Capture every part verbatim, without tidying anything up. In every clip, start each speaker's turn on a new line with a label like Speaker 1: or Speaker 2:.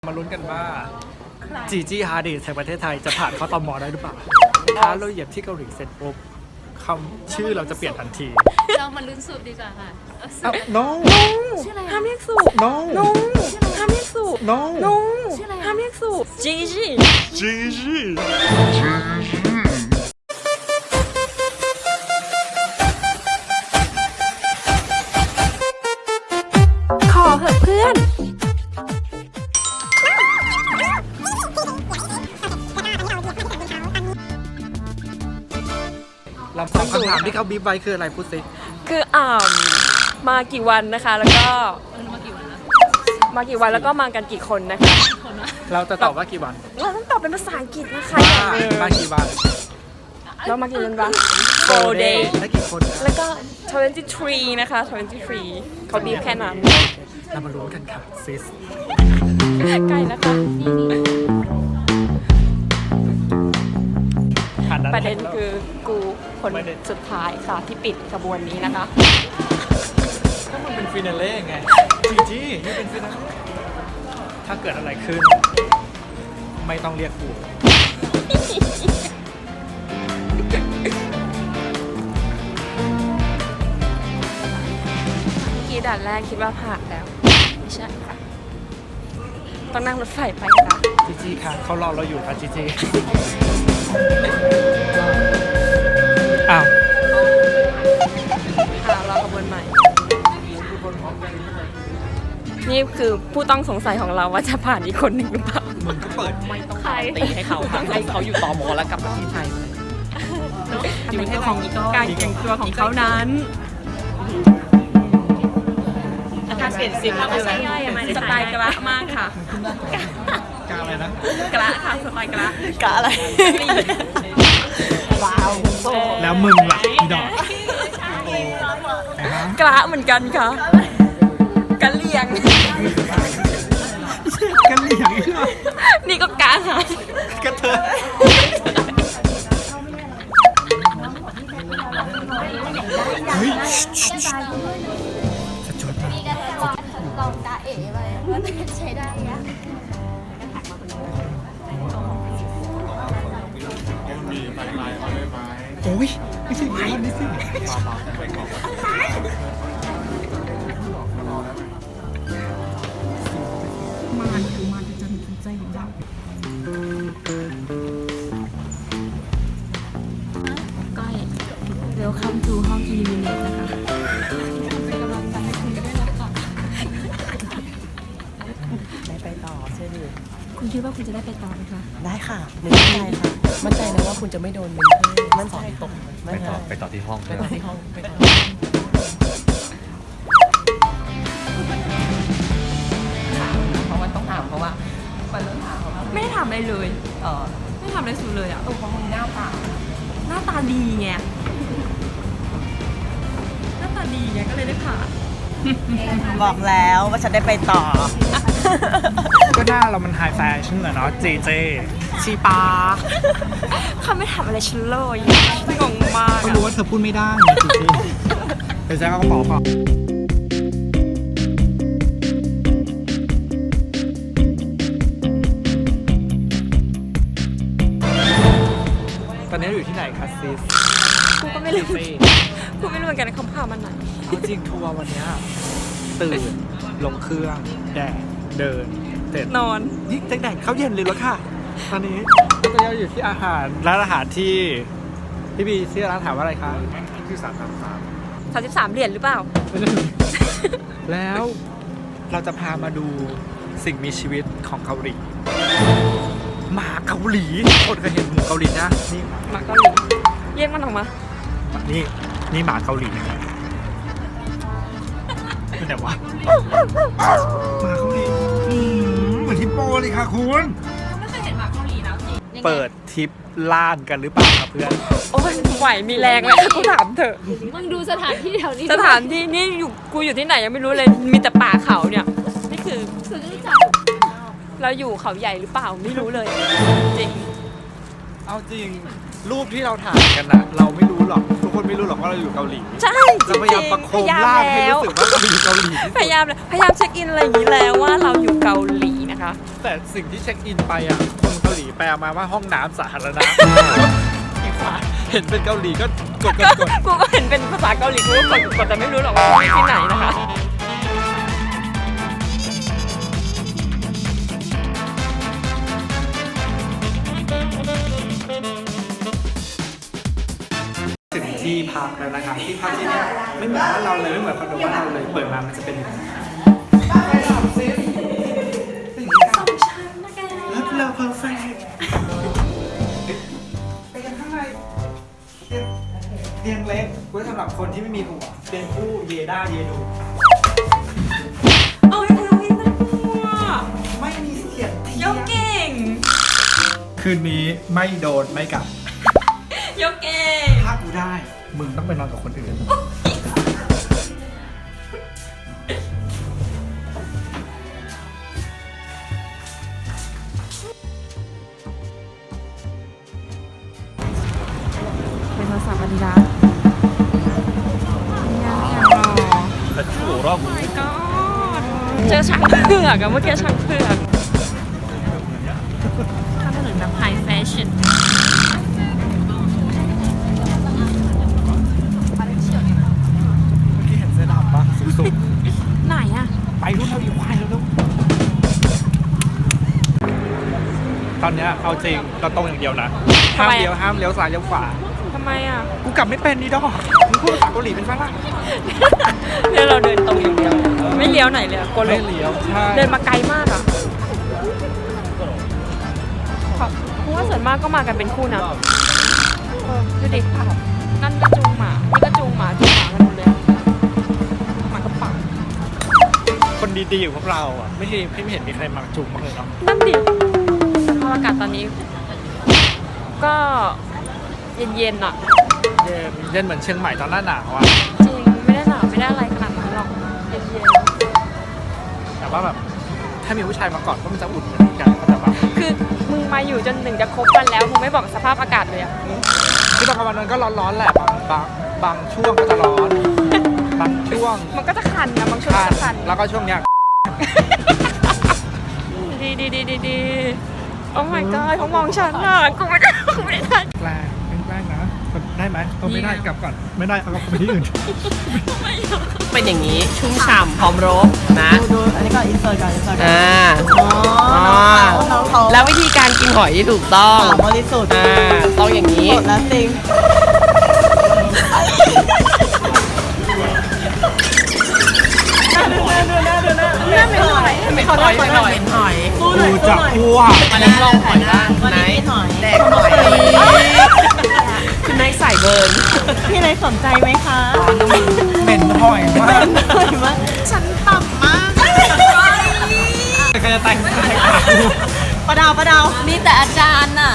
Speaker 1: มาลุ้นกันว่าจีจี้ฮาร์ดีแห่งประเทศไทยจะผ่านเข้าตมได้หรือเปล่าถ้าเราเหยียบที่เกาหลีเสร็จปุ๊บคำชื่อเราจะเปลี่ยนทันที
Speaker 2: เรามาลุ้นสูตรดีกว่าค่ะ
Speaker 1: no
Speaker 2: ชื่ออะไร
Speaker 3: ห้ามเรียกสู
Speaker 1: no
Speaker 3: no ห้ามเรียกสู
Speaker 1: no
Speaker 3: no
Speaker 2: ชื่ออะไร
Speaker 3: ห้ามเรียกสูจีจี
Speaker 1: จีจี้
Speaker 3: ขอเหอะเพื่อน
Speaker 1: ลำสองคำถามที่เขาบีบไว้คืออะไรพูดสิ
Speaker 3: คืออ่ามากี่วันนะคะ แล้วก็
Speaker 2: เออมากี่วันนะ
Speaker 3: มากี่วันแล้วก็มากันกี่คนนะคะ
Speaker 2: คนวะ
Speaker 1: เราจะตอบว่ากี่วัน
Speaker 3: เราต้องตอบเป็นภาษาอังกฤษนะคะ
Speaker 1: ว่า
Speaker 3: อย่างหนึ่ง
Speaker 1: มากี่วัน
Speaker 3: เรามากี่วันวะ four day
Speaker 1: และกี่คนนะ
Speaker 3: แล้วก็twenty-threeนะคะtwenty-threeเขาบีบแค่นั้น
Speaker 1: เรามาลุ้นกันค่ะซิส
Speaker 3: ใกล้แล้วค่ะ
Speaker 1: ผ่านนั้น
Speaker 3: ประเด็น
Speaker 1: แล้ว
Speaker 3: คือกูคน
Speaker 1: ประเด็น
Speaker 3: สุดท้ายค่ะที่ปิดขบวนนี้นะคะ
Speaker 1: ก็มันเป็นฟินาเล่ไงจีจี้นี่เป็นฟินาเล่ถ้าเกิดอะไรขึ้น ไม่ต้องเรียกกู
Speaker 3: เมื่อกี้ด่านแรกคิดว่าผ่านแล้ว ไม่ใช่ค่ะ ต้องนั่งรถไฟไปค่ะ
Speaker 1: จีจี้ค่ะเขารอเราอยู่ค่ะจีจี้อ้าว
Speaker 3: อ่ารอขบวนใหม่ นี่คือผู้ต้องสงสัยของเราว่าจะผ่านอีกคนหนึ่งหรือเปล่า
Speaker 1: มึงก็เปิดไม่ต้อง
Speaker 3: ใคร
Speaker 4: ตีให้เขาค่ะให้เขาอยู่ต่อมอแล้วกลับมาที่ไทยเลยอยู่ประเทศของอีก
Speaker 3: การแต่งตัวของเขานั้น
Speaker 4: การเปลี่ยนซิมแล้วคืออะไร
Speaker 3: สไตล์กระมากค่ะ
Speaker 1: กล้าอะไรนะ
Speaker 3: กระค่ะสไตล์กระ
Speaker 4: กะอะไรว้าวโซ่
Speaker 1: แล้วมึงล่ะอีดอก
Speaker 3: กระเหมือนกันค่ะกระเลียง
Speaker 1: กันเหลี่ยงอีกเหรอ
Speaker 3: นี่ก็กระค่ะ
Speaker 1: กระเทยเฮ้ยสะจวดมาก
Speaker 2: นี่ก็แค่ว่าลองตาเอ๋ไปว่าใช้ได้ยัง
Speaker 1: โอ้ยไม่ใช่ภาพนี้สิ
Speaker 3: ก้อย Welcome to ห้อง Illuminate นะคะ
Speaker 2: เป็นกำลังใจให้คุณด้วยนะคะ
Speaker 4: ได้ไปต่อเชื่อดิ
Speaker 3: คุณคิดว่าคุณจะได้ไปต่อไหมคะ
Speaker 4: ได้ค่ะหนึ่งมั่นใจค่ะ มั่นใจนะว่าคุณจะไม่โดนมันมั่นใจตก
Speaker 5: ไปต่อไปต่อที่ห้อง
Speaker 4: ไปต่อที่ห้องไปต่อเพราะว่าต้องถามเพราะว่ามันต้องถามเพราะว่า
Speaker 3: ไม่ได้ทำอะไรเลย
Speaker 4: เออ
Speaker 3: ไม่ทำอะไรสุดเลยอ่ะ
Speaker 4: ตัวของมึงหน้าตา
Speaker 3: หน้าตาดีไง หน้าตาดีไงก็เลยได้ผ่าน
Speaker 4: บอกแล้วว่าฉันได้ไปต่อ
Speaker 1: ก็หน้าเรามันไฮแฟชั่นอะเนาะเจเจ
Speaker 3: ชีปาเขาไม่ทำอะไรฉันเลยงงมาก
Speaker 1: เขา
Speaker 3: อะ
Speaker 1: รู้ว่าเธอพูดไม่ได้ไงเจเจเดี๋ยวแจ๊คก็บอกก่อนตอนนี้เราอยู่ที่ไหนคะซิส
Speaker 3: กูก็ไม่รู้กูไม่รู้เหมือนกันนะเขาพามันไหน
Speaker 1: เอาจริงทัวร์วันเนี้ยตื่นลงเครื่องแดดเดินเสร็จ
Speaker 3: นอน
Speaker 1: นี่แดดเขาเย็นเลยแล้วค่ะ ตอนนี้ตอนนี้เราอยู่ที่อาหารร้านอาหารที่พี่บีชื่อร้านถามว่าอะไรคะที่สามสามสาม
Speaker 3: สามสิบสามเหรียญหรือเปล่า
Speaker 1: แล้วเราจะพามาดูสิ่งมีชีวิตของเกาหลีหมาเกาหลีคนเคยเห็นหมูเกาหลีนะนี่
Speaker 3: หมาเกาหลีเรียกมันออกมา
Speaker 1: นี่นี่หมาเกาหลีนะครับเป็นไงวะหมาเกาหลีอืมเหมือนฮิปโปเลยค่ะคุณ
Speaker 3: ไม่เคยเห็นหมาเกาหลีนะจริง
Speaker 1: เปิดทริปล่านกันหรือเปล่าครับเพื่อน
Speaker 3: โอ้ยไหวมีแรงไหมกูถามเถอะ
Speaker 2: มึงดูสถานที่แถวนี้
Speaker 3: สถานที่นี่อยู่กูอยู่ที่ไหนยังไม่รู้เลย มีแต่ป่าเขาเนี่ย นี่คือ
Speaker 2: คือรู้จัก
Speaker 3: เราอยู่เขาใหญ่หรือเปล่าไม่รู้เลย จริง
Speaker 1: เอาจริงรูปที่เราถ่ายกันนะเราไม่รู้หรอกทุกคนไม่รู้หรอกว่าเราอยู่เกาหลี
Speaker 3: ใช่จ
Speaker 1: จะ
Speaker 3: ริง
Speaker 1: พยายามประโคมล่างให้รู้สึกว่าเราอยู่เกาหลี
Speaker 3: พยายามเลยพยายามเช็คอินอะไรอย่างนี้แล้วว่าเราอยู่เกาหลีนะคะคะ
Speaker 1: แต่สิ่งที่เช็คอินไปอ่ะคนเกาหลีแปลมาว่าห้องน้ำสาธารณะอีกฝ่ายเห็นเป็นเกาหลีก็กดกดกด
Speaker 3: กูก็เห็นเป็นภาษาเกาหลีกูก็กดกดแต่ไม่รู้หรอกว่าที่ไหนนะคะ
Speaker 1: ถึงที่พักแล้วนะครับที่พักที่เนี่ยไม่เหมือนบ้านเราเลยไม่เหมือนคอนโดบ้านเราเลยเปิดมามันจะเป็นอย่างนี้สองชั้นนะแกแล้วเราเพอร์เฟกต์ไปกันข้างในเตียงเล็กไว้สำหรับคนที่ไม่มีผัวเตียงคู่เยด้าเยดู
Speaker 3: โอ้ยโอ้ยน่ากลัว
Speaker 1: ไม่มีเสียงเที
Speaker 3: ยกเก่ง
Speaker 1: คืนนี้ไม่โดนไม่กลับ
Speaker 3: ยกเก่ง
Speaker 1: ถ้ากูได้มึงต้องไปนอนกับคนอื่น
Speaker 3: เป็นภาษาบาลีรัสยังยังรอ
Speaker 1: แต่ชั่วรอบ
Speaker 3: my god เจอช้างเผือกอะเมื่อกี้ช้างเผือกทำถนนแบบไฮแฟชั่น
Speaker 1: ที่เห็นเสื้อดำปะสุด
Speaker 3: ไหนอะ
Speaker 1: ๆไปรุ่นเราอีกวายแล้วลูกตอนเนี้ยเอาจริงเราตรงอย่างเดียวนะห้ามเลี้ยวห้ามเลี้ยวซ้ายเลี้ยวขวา
Speaker 3: ทำไมอะ
Speaker 1: กูกลับไม่เป็นนี่ดอกมึงพูดภาษาเกาหลีเป็นฝรั่ง
Speaker 3: เนี่ยเราเดินตรงอย่างเดียวไม่เลี้ยวไหนเลยอะกลัวหล
Speaker 1: ไม่
Speaker 3: ง
Speaker 1: เลี้ยวใช่
Speaker 3: เดินมาไกลมากอะเพราะว่าส่วนมากก็มากันเป็นคู่นะเออดูดินั่นก็จูงหมานี่ก็จูงหมาจูงหมากันหมดเลยอะหมากระป๋อง
Speaker 1: คนดีๆอยู่พวกเราอ่ะไม่ใช่ไม่เห็นมีใครมาจุงมากเลยเนาะ
Speaker 3: นั่นดิสภาพอากาศตอนนี้ ก็เย็นๆอะ
Speaker 1: เย็นเย็นเหมือนเชียงใหม่ตอนหน้าหนาวอ่ะ
Speaker 3: จริงไม่ได้หนาวไม่ได้อะไรขนาดนั้นหรอกเย็น
Speaker 1: แต่ว่าแบบถ้ามีผู้ชายมาก่อนก็มันจะอุ่นเหมือนกันแต่ว่า
Speaker 3: ๆคือมึงมาอยู่จนหนึ่งจะครบวันแล้วมึงไม่บอกสภาพอากาศเลยอะ
Speaker 1: คือตอนกลางวันมันก็ร้อนๆแหละบางบางบางช่วงก็จะร้อนบางช่วง
Speaker 3: มันก็จะคันนะบางช่วง
Speaker 1: คั
Speaker 3: ก็
Speaker 1: น
Speaker 3: จะคัน
Speaker 1: แล้วก็ช่วงเนี้ย
Speaker 3: ดีดีดีดีดีโอ้ my god เขามองฉันอ่ะกูไม่ได้กูไม่ได้ทัน
Speaker 1: แกล้งแกล้งนะได้ไหมเออไม่ได้กลับก่อนไม่ได้เอาไปที่อื่น
Speaker 4: เป็นอย่างนี้ชุ่มฉ่ำพร้อมรบนะ
Speaker 5: ดูอันนี้ก็อินเสิร์ตก่อนอินเสิร์ตก่อน
Speaker 4: อ่า
Speaker 5: อ๋อน้องเขา
Speaker 4: แล้ววิธีการกินหอยที่ถูกต้อง
Speaker 5: สาวบริสุทธิ์
Speaker 4: อ่าต้องอย่างนี้
Speaker 5: สดและจริง
Speaker 4: ไม่เป็นหอยไม่หอยไม่หอย
Speaker 5: หอย
Speaker 1: กูจะอ้วก
Speaker 4: อันนั้นลองหอยบ้าง
Speaker 5: วัน
Speaker 4: ไหน
Speaker 5: นี้กินหอย
Speaker 4: แดกหอยคุณนายใส่เบิร์น
Speaker 5: พี่นายสนใจไหมคะ
Speaker 1: เหม็นหอยมาก
Speaker 5: หอยมากฉันต่ำมาก
Speaker 1: ใครจะแต่ง
Speaker 5: ประดาวประดาว
Speaker 2: มีแต่อาจารย์น่ะ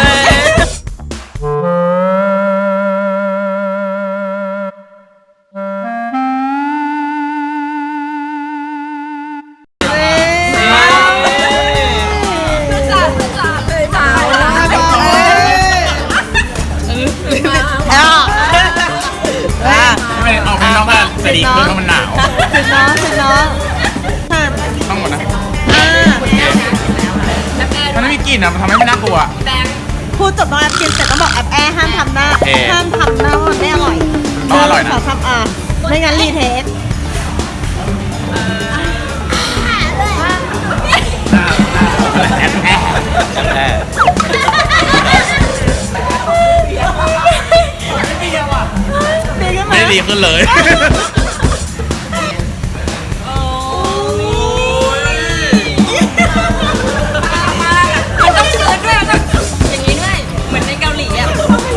Speaker 6: ไม่ออกข้างนอกบ้านจะดีขึ้นเพราะมันหนาว
Speaker 5: สิน้องสิน้องค่ะ
Speaker 6: ต้องหมดนะ
Speaker 5: อ่า
Speaker 6: มันไม่มีกลิ่นอ่ะ มันทำให้ไม่น่ากลัว
Speaker 5: พูดจบน้องแอปกินเสร็จต้องบอกแอปแอร์ห้ามทำหน้า
Speaker 6: โอเค
Speaker 5: ห้ามทำหน้าว่ามันไม่อร่อย
Speaker 6: ต้องอร่อยนะ
Speaker 5: ขอทำอ่ะไม่งั้นรีเทส
Speaker 6: แอบแอบแอบ
Speaker 5: ดีขึ้นไหม
Speaker 6: ไม่ได้ดีขึ้นเลย
Speaker 2: มันต้องเชิญด้วยมันต้องอย่างนี้ด้วย เหมือนในเกาหลีอ่ะ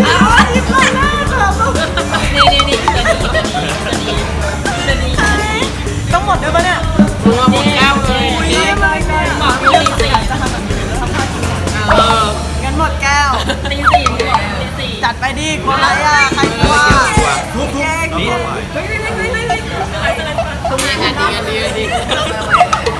Speaker 2: นี่นี่นี่จะดีจะดีจะดีจะดี
Speaker 5: ต้องหมดด้วยปะเนี่ย
Speaker 4: มึงเอาหมดแก้วเลย
Speaker 2: บอกตีสี่
Speaker 4: เออ
Speaker 5: งั้นหมดแก้ว
Speaker 2: ตีสี่นี่แหละตีสี่
Speaker 5: จัดไปดิกลัวอะไรอ่ะใครกลัว
Speaker 6: ทุบทุบนี่
Speaker 4: ทุกอย่างอันดีอันดีอันดี